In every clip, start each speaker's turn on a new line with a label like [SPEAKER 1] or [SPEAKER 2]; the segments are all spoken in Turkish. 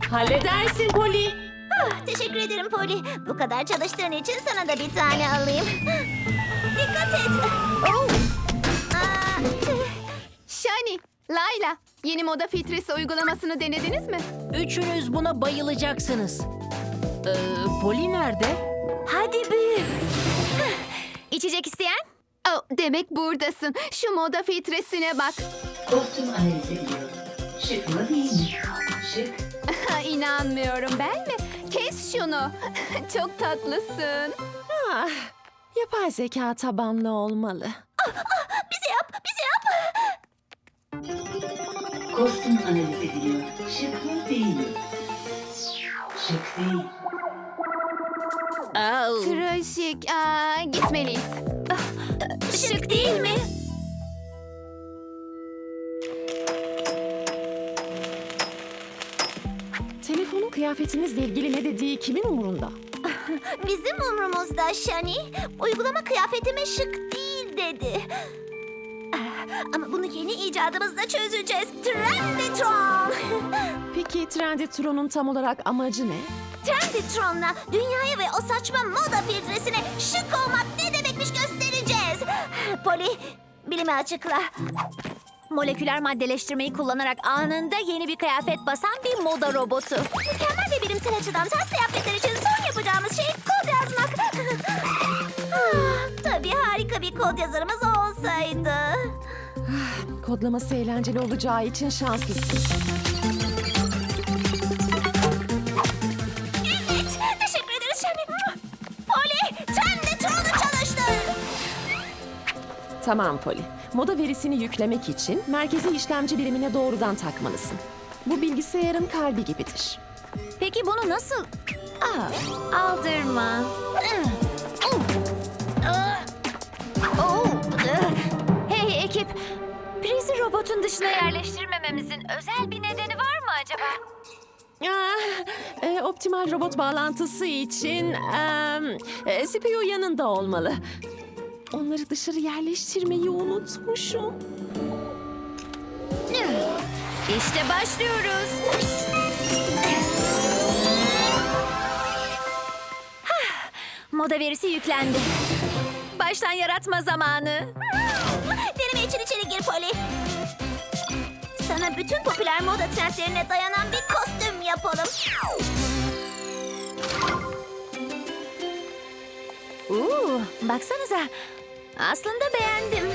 [SPEAKER 1] Halledersin Poli.
[SPEAKER 2] Teşekkür ederim Polly. Bu kadar çalıştığın için sana da bir tane alayım. Dikkat et. Oh. Aa,
[SPEAKER 3] Shani, Layla, yeni moda filtresi uygulamasını denediniz mi?
[SPEAKER 1] Üçünüz buna bayılacaksınız. Poli nerede?
[SPEAKER 2] hadi büyü. İçecek isteyen?
[SPEAKER 3] Oh, demek buradasın. Şu moda filtresine bak.
[SPEAKER 4] Kostüm analizi ediyor. Şık mı değil mi? Şık.
[SPEAKER 3] İnanmıyorum, ben mi? Kes şunu. Çok tatlısın.
[SPEAKER 1] Ah, yapay zeka tabanlı olmalı.
[SPEAKER 2] Bize yap, bize yap.
[SPEAKER 4] Kostüm analizi ediliyor. Şık mı değil mi? Şık değil.
[SPEAKER 3] Trajik. Gitmeliyiz.
[SPEAKER 2] Şık değil mi?
[SPEAKER 1] Telefonun kıyafetinizle ilgili ne dediği kimin umurunda?
[SPEAKER 2] Bizim umrumuzda Shani. Uygulama kıyafetime şık değil dedi. Ama bunu yeni icadımızla çözeceğiz. Trenditron.
[SPEAKER 1] Peki Trendytron'un tam olarak amacı ne?
[SPEAKER 2] Trenditron'la dünyaya ve o saçma moda filtresine şık olmak ne demekmiş göstereceğiz. Polly, bilime açıkla. Moleküler maddeleştirmeyi kullanarak anında yeni bir kıyafet basan bir moda robotu. Mükemmel ve bilimsel açıdan ters kıyafetler için son yapacağımız şey kod yazmak. Tabii harika bir kod yazarımız olsaydı.
[SPEAKER 1] Kodlaması eğlenceli olacağı için şanslısın.
[SPEAKER 2] Evet, teşekkür ederiz Shani. Polly, Trenditron'u çalıştır.
[SPEAKER 1] Tamam Poli. Moda verisini yüklemek için merkezi işlemci birimine doğrudan takmalısın. Bu bilgisayarın kalbi gibidir.
[SPEAKER 2] Peki bunu nasıl? Aldırma. Hey ekip, prizi robotun dışına yerleştirmememizin özel bir nedeni var mı acaba?
[SPEAKER 1] Optimal robot bağlantısı için CPU yanında olmalı. Onları dışarı yerleştirmeyi unutmuşum.
[SPEAKER 2] İşte başlıyoruz. Moda verisi yüklendi. Baştan yaratma zamanı. Deneme için içeri gir Polly. Sana bütün popüler moda trendlerine dayanan bir kostüm yapalım. Baksanıza. Aslında beğendim.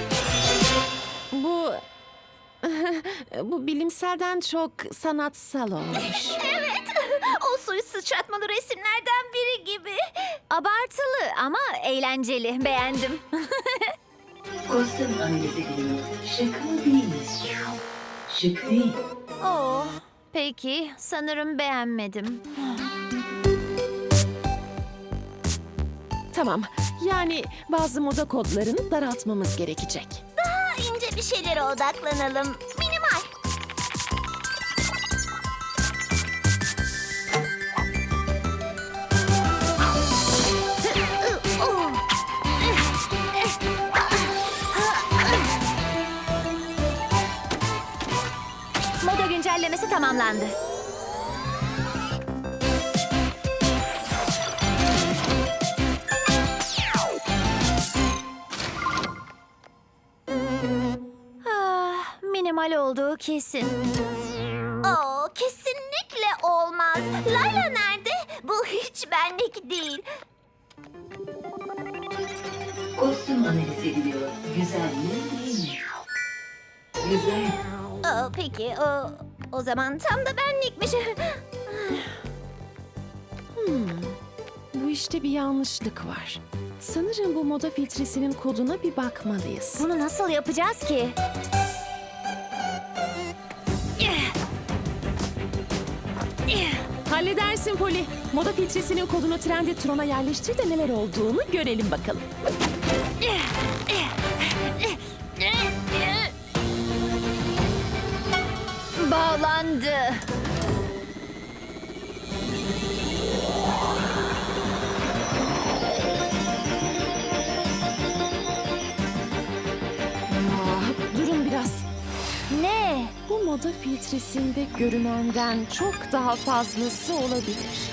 [SPEAKER 1] Bu bilimselden çok sanatsal olmuş.
[SPEAKER 2] Evet. O suyu sıçratmalı resimlerden biri gibi. Abartılı ama eğlenceli. Beğendim.
[SPEAKER 4] Kostüm analizi ediliyor. Şık mı değil mi? Şık değil.
[SPEAKER 2] Oh, peki. Sanırım beğenmedim.
[SPEAKER 1] Tamam. Yani bazı moda kodlarını daraltmamız gerekecek.
[SPEAKER 2] Daha ince bir şeylere odaklanalım. Minimal. Moda güncellemesi tamamlandı. Minimal olduğu kesin. Kesinlikle olmaz. Layla nerede? Bu hiç benlik değil.
[SPEAKER 4] Kostüm analizi ediliyor. Güzel mi değil mi? Güzel.
[SPEAKER 2] Peki, o zaman tam da benlikmiş.
[SPEAKER 1] Bu işte bir yanlışlık var. Sanırım bu moda filtresinin koduna bir bakmalıyız.
[SPEAKER 2] Bunu nasıl yapacağız ki?
[SPEAKER 1] Halledersin Poli. Moda filtresinin kodunu Trendytron'a yerleştir de neler olduğunu görelim bakalım.
[SPEAKER 2] Bağlandı.
[SPEAKER 1] Durun biraz.
[SPEAKER 2] Ne?
[SPEAKER 1] Bu moda filtresinde görünenden çok daha fazlası olabilir.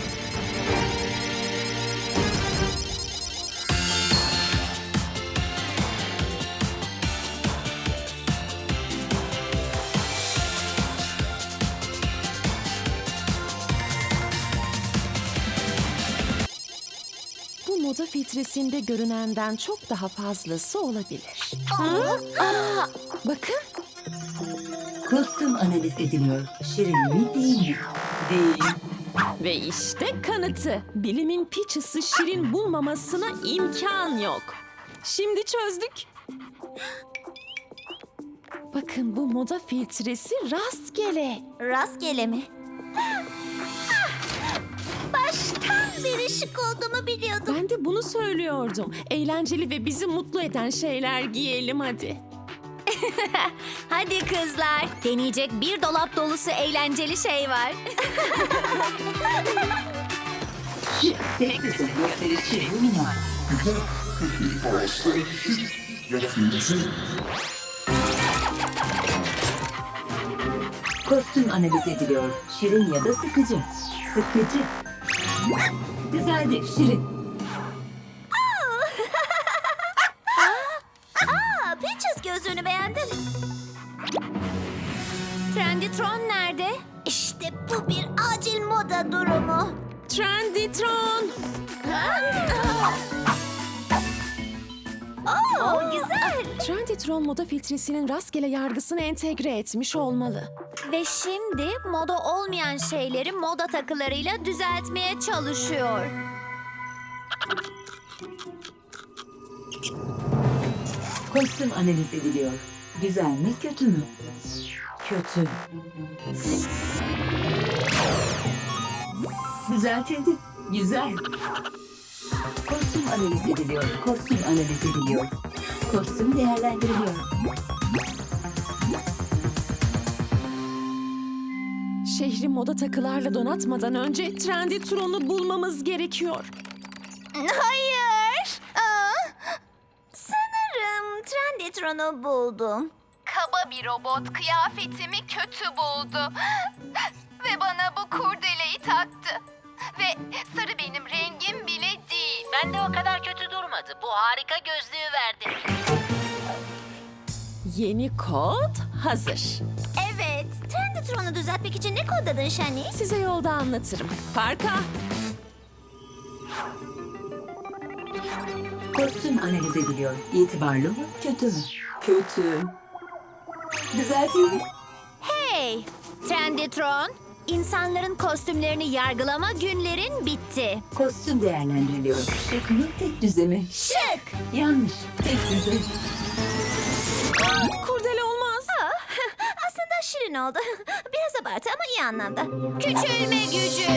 [SPEAKER 1] Bu moda filtresinde görünenden çok daha fazlası olabilir. Bakın.
[SPEAKER 4] Kostüm analiz ediliyor. Şirin mi değil mi? Değil.
[SPEAKER 1] Ve işte kanıtı. Bilimin piçisi Şirin bulmamasına imkan yok. Şimdi çözdük. Bakın bu moda filtresi rastgele.
[SPEAKER 2] Rastgele mi? Baştan beri şık olduğumu biliyordum.
[SPEAKER 1] Ben de bunu söylüyordum. Eğlenceli ve bizi mutlu eden şeyler giyelim hadi.
[SPEAKER 2] Hadi kızlar, deneyecek bir dolap dolusu eğlenceli şey var.
[SPEAKER 4] Tek kızın gösterişi minor. Kostüm analiz ediliyor. Şirin ya da sıkıcı. Sıkıcı. Güzeldi Şirin.
[SPEAKER 2] Peaches gözlüğünü beğendim. Trendytron nerede? İşte bu bir acil moda durumu.
[SPEAKER 1] Trendytron.
[SPEAKER 2] Oo, güzel.
[SPEAKER 1] Trendytron moda filtresinin rastgele yargısını entegre etmiş olmalı.
[SPEAKER 2] Ve şimdi moda olmayan şeyleri moda takılarıyla düzeltmeye çalışıyor.
[SPEAKER 4] Kostüm analiz ediliyor. Güzel mi kötü mü? Kötü. Düzeltildi. Güzel. Kostüm analiz ediliyor. Kostüm analiz ediliyor. Kostüm değerlendiriliyor.
[SPEAKER 1] Şehri moda takılarla donatmadan önce Trendytron'u bulmamız gerekiyor.
[SPEAKER 2] Hayır. Sanırım Trendytron'u buldum.
[SPEAKER 3] Kaba bir robot kıyafetimi kötü buldu. Ve bana bu kurdeleyi taktı. Ve sarı benim rengim bile değil.
[SPEAKER 5] Ben de o kadar kötü durmadı. Bu harika gözlüğü verdi.
[SPEAKER 1] Yeni kod hazır.
[SPEAKER 2] Evet. Trendytron'u düzeltmek için ne kodladın Shani?
[SPEAKER 1] Size yolda anlatırım. Parka.
[SPEAKER 4] Kostüm analiz ediliyor. İtibarlı mı kötü mü? Kötü. Düzeltildi.
[SPEAKER 2] Hey! Trendytron, insanların kostümlerini yargılama günlerin bitti.
[SPEAKER 4] Kostüm değerlendiriliyor. Şık mı tek düze mi?
[SPEAKER 2] Şık!
[SPEAKER 4] Yanlış. Tek düze.
[SPEAKER 1] Kurdele olmaz.
[SPEAKER 2] Aslında şirin oldu. Biraz abartı ama iyi anlamda. Küçülme gücü!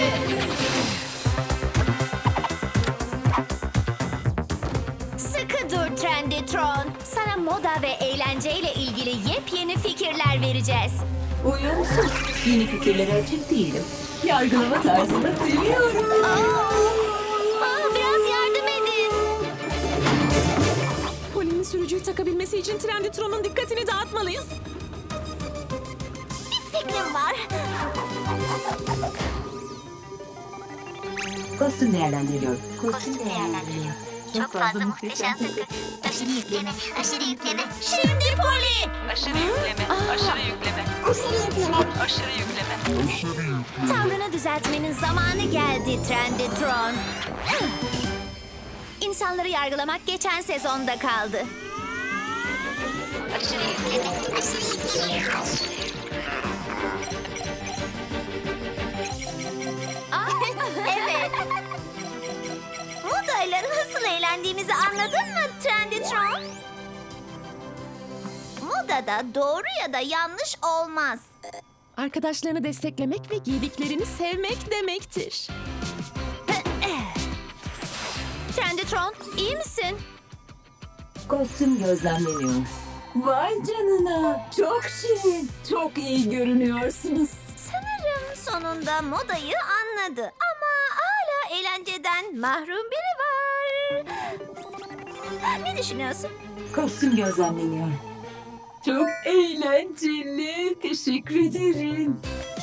[SPEAKER 2] Sıkı dur Trendytron. Sana moda ve eğlenceyle ilgili yepyeni fikirler vereceğiz.
[SPEAKER 4] Uyumsuz. Yeni fikirlere açık değilim. Yargılama tarzını seviyorum.
[SPEAKER 2] Biraz yardım edin.
[SPEAKER 1] Poli'nin sürücüyü takabilmesi için Trendytron'un dikkatini dağıtmalıyız.
[SPEAKER 2] Fikrim var.
[SPEAKER 4] Kostüm değerlendiriliyor. Kostüm değerlendiriliyor. Çok fazla muhteşem takı.
[SPEAKER 2] Aşırı yükleme, aşırı yükleme. Şimdi Poli!
[SPEAKER 6] Aşırı yükleme, aşırı yükleme, aşırı yükleme.
[SPEAKER 2] Tavrını düzeltmenin zamanı geldi Trendytron. İnsanları yargılamak geçen sezonda kaldı.
[SPEAKER 6] Aşırı yükleme, aşırı yükleme.
[SPEAKER 2] Evet. Modayla nasıl eğlendiğimizi anladın mı Trendytron? Modada doğru ya da yanlış olmaz.
[SPEAKER 1] Arkadaşlarını desteklemek ve giydiklerini sevmek demektir.
[SPEAKER 2] Trendytron, iyi misin?
[SPEAKER 4] Kostüm gözlemleniyor. Vay canına. Çok şirin. Çok iyi görünüyorsunuz.
[SPEAKER 2] Sanırım sonunda modayı anladı. Ama hala eğlenceden mahrum biri var. Ne düşünüyorsun?
[SPEAKER 4] Kostüm gözlemleniyor. Çok eğlenceli. Teşekkür ederim.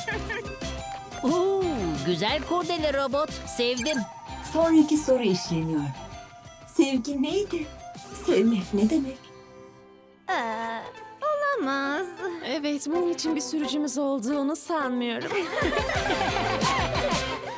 [SPEAKER 7] Oo, güzel kurdele robot. Sevdim.
[SPEAKER 4] Sonraki soru işleniyor. Sevgi neydi? Sevmek ne demek?
[SPEAKER 2] Olamaz.
[SPEAKER 1] Evet, bunun için bir sürücümüz olduğunu sanmıyorum.